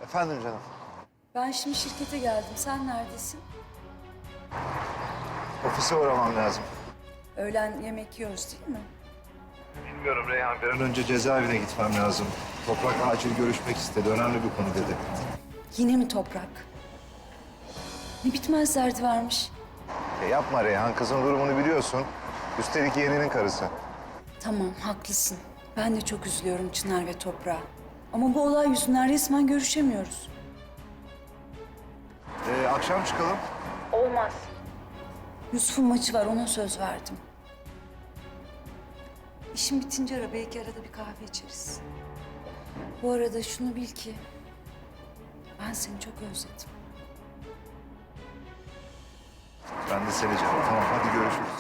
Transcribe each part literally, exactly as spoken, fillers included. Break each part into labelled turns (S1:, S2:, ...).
S1: Efendim canım.
S2: Ben şimdi şirkete geldim. Sen neredesin?
S1: Ofise uğramam lazım.
S2: Öğlen yemek yiyoruz değil mi?
S1: Bilmiyorum Reyhan. Bir an önce cezaevine gitmem lazım. Toprak acil görüşmek istedi. Önemli bir konu dedi.
S2: Yine mi Toprak? Ne bitmez derdi varmış.
S1: E yapma Reyhan. Kızın durumunu biliyorsun. Üstelik yeğeninin karısı.
S2: Tamam, haklısın. Ben de çok üzülüyorum Çınar ve Toprak'a. Ama bu olay yüzünden resmen görüşemiyoruz.
S1: E, akşam çıkalım.
S2: Olmaz. Yusuf'un maçı var, ona söz verdim. İşim bitince ara, belki arada bir kahve içeriz. Bu arada şunu bil ki... ben seni çok özledim.
S1: Ben de seni canım. Tamam hadi görüşürüz.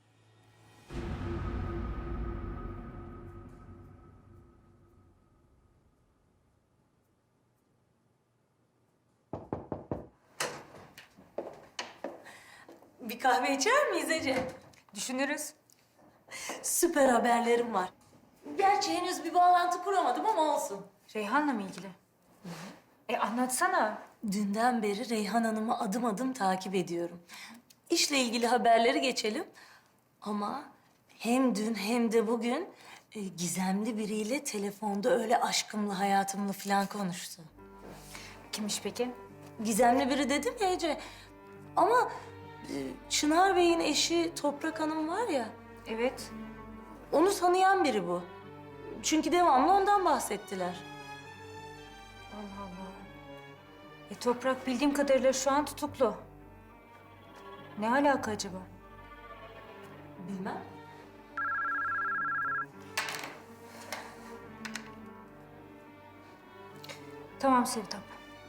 S3: Bir kahve içer miyiz Ece?
S4: Düşünürüz.
S3: Süper haberlerim var. Gerçi henüz bir bağlantı kuramadım ama olsun.
S4: Reyhan'la mı ilgili? E anlatsana.
S3: Dünden beri Reyhan Hanım'ı adım adım takip ediyorum. İşle ilgili haberleri geçelim. Ama hem dün hem de bugün e, gizemli biriyle telefonda öyle aşkımlı, hayatımlı falan konuştu.
S4: Kimmiş peki?
S3: Gizemli biri dedim ya Ece. Ama e, Çınar Bey'in eşi Toprak Hanım var ya,
S4: Evet.
S3: onu tanıyan biri bu. Çünkü devamlı ondan bahsettiler.
S4: Allah Allah. E Toprak bildiğim kadarıyla şu an tutuklu. Ne alaka acaba?
S3: Bilmem.
S4: Tamam Sevtap.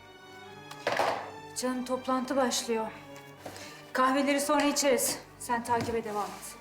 S4: Canım toplantı başlıyor. Kahveleri sonra içeriz. Sen takibe devam et.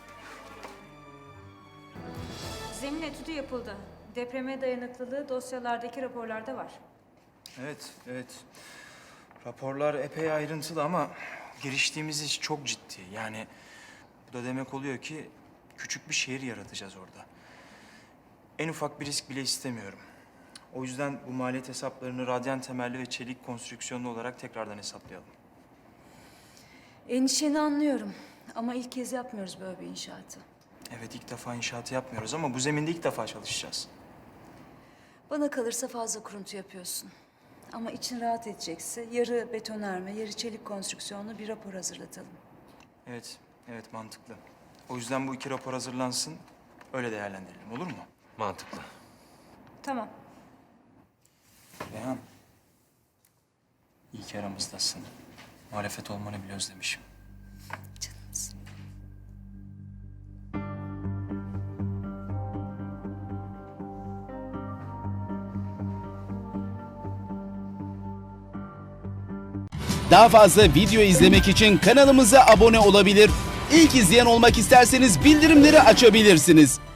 S4: Zemin etüdü yapıldı. Depreme dayanıklılığı dosyalardaki raporlarda var.
S5: Evet, evet. Raporlar epey ayrıntılı ama giriştiğimiz iş çok ciddi. Yani bu da demek oluyor ki küçük bir şehir yaratacağız orada. En ufak bir risk bile istemiyorum. O yüzden bu maliyet hesaplarını radyan temelli ve çelik konstrüksiyonlu olarak tekrardan hesaplayalım.
S2: Endişeni anlıyorum. Ama ilk kez yapmıyoruz böyle bir inşaatı.
S5: Evet, ilk defa inşaatı yapmıyoruz ama bu zeminde ilk defa çalışacağız.
S2: Bana kalırsa fazla kuruntu yapıyorsun. Ama için rahat edecekse yarı betonarme, yarı çelik konstrüksiyonlu bir rapor hazırlatalım.
S5: Evet, evet mantıklı. O yüzden bu iki rapor hazırlansın, öyle değerlendirelim, olur mu?
S6: Mantıklı.
S4: Tamam.
S5: Reyhan, iyi ki aramızdasın. Muhalefet olmanı bile özlemişim.
S2: Canımsın.
S7: Daha fazla video izlemek için kanalımıza abone olabilir. İlk izleyen olmak isterseniz bildirimleri açabilirsiniz.